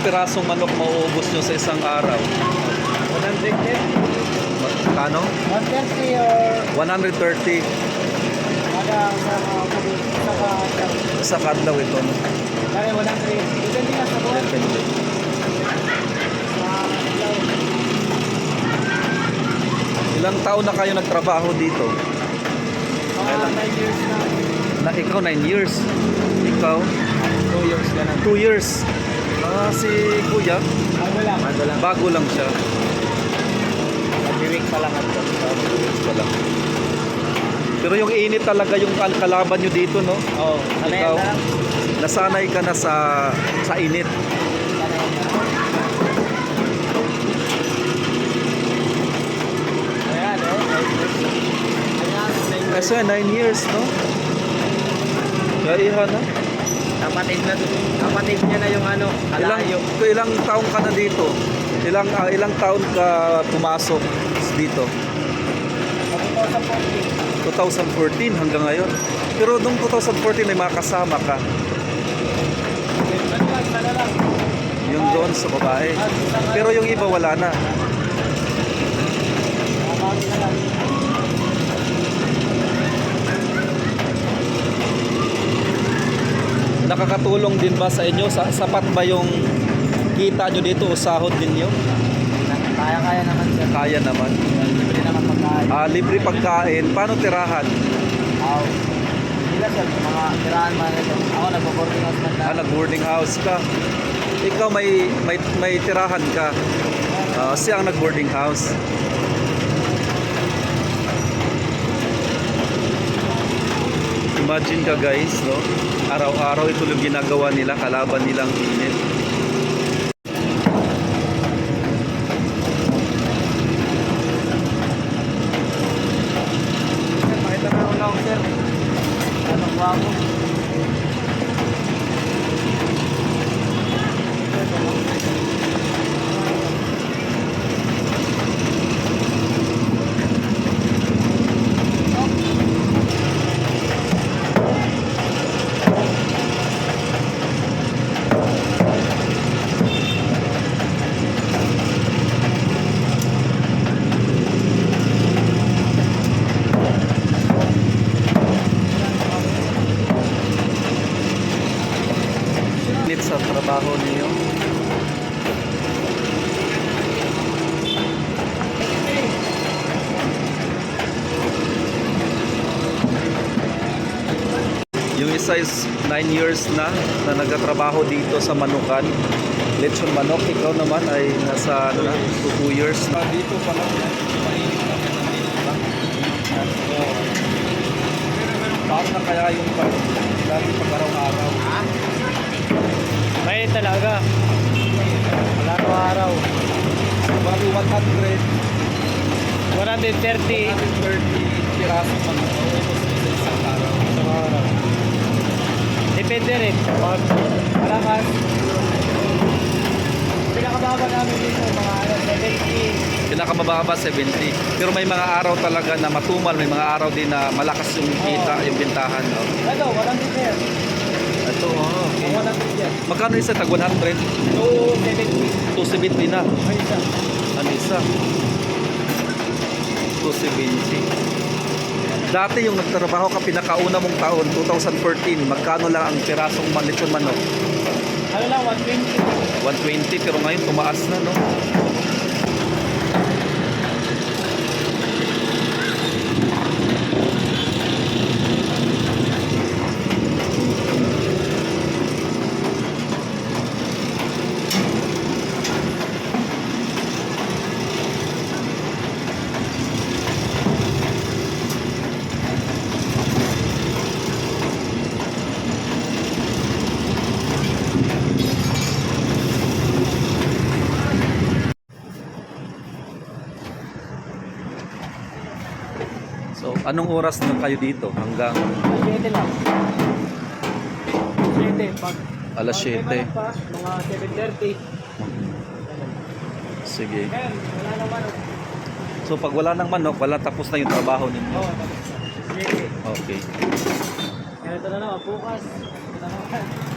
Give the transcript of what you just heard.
pirasong manok mauubos nyo sa isang araw? 130. Kano? 130 or 130 sa kadlaw ito. No? kaya 100. Depende nga sa buwan. Depende. Ilang taon na kayo nagtrabaho dito? Mga 9 years na. Ikaw 9 years. Ikaw 2 years ka na. 2 years. Si Kuya, Bago lang. bago lang siya. Mag-week pa lang ito. 2 years pa lang. Pero yung init talaga yung kalaban nyo dito, no? Oo. Ikaw, nasanay ka na sa init. Ayan, Kasi 9 years, no? Kaya iha na. Kapatid niya na yung ano, kalayo. Ilang taon ka na dito? Ilang taon ka pumasok dito? 2014 hanggang ngayon. Pero nung 2014 may mga kasama ka. Yung doon sa babae. Pero yung iba wala na. Nakakatulong din ba sa inyo? Sapat ba yung kita nyo dito o sahod ninyo? Kaya naman sir. Kaya naman. Libre naman pagkain. Libre pagkain. Paano tirahan? Sila sir, mga tirahan man ito. Ako nagpo-boarding house man lang. Nag-boarding house ka. Ikaw may tirahan ka. Siya ang nag-boarding house. Imagine ka guys, no? Araw-araw ito yung ginagawa nila, kalaban nilang init. Sir, makita na ako lang sir. Anong wako? Sa trabaho niyo. Yung isa is 9 years na nagtatrabaho dito sa Manukan. Lechon manok. Ikaw naman ay nasa 2 years na. Dito pa lang. Paano na kaya yung pag-araw-araw? May talaga. Wala ko araw. Bago 130 130 piraso manok. Isang araw. sa araw. Depende rin. Pag malakas, pinakababa namin dito, mga 70. Pinakamababa 70. Pero may mga araw talaga na matumal, may mga araw din na malakas yung kita, yung bintahan, no? Ito, walang detail. Ito, okay. Walang detail. Magkano isa? Tag 100? 270. 270 na. Ay, isa. Ano isa? 270. Dati yung nagtrabaho ka pinakauna mong taon, 2014, magkano lang ang pirasong lechon manok? Ano lang, 120. 120, pero ngayon tumaas na, no? So, anong oras na kayo dito? Hanggang 7 lang. 7. Pag alas 7. pa, mga 7:30. Sige. Ayan, wala naman. So, pag wala ng manok, wala tapos na yung trabaho ninyo. Oo, sige. Okay. Ganito na naman, bukas. Ito na naman.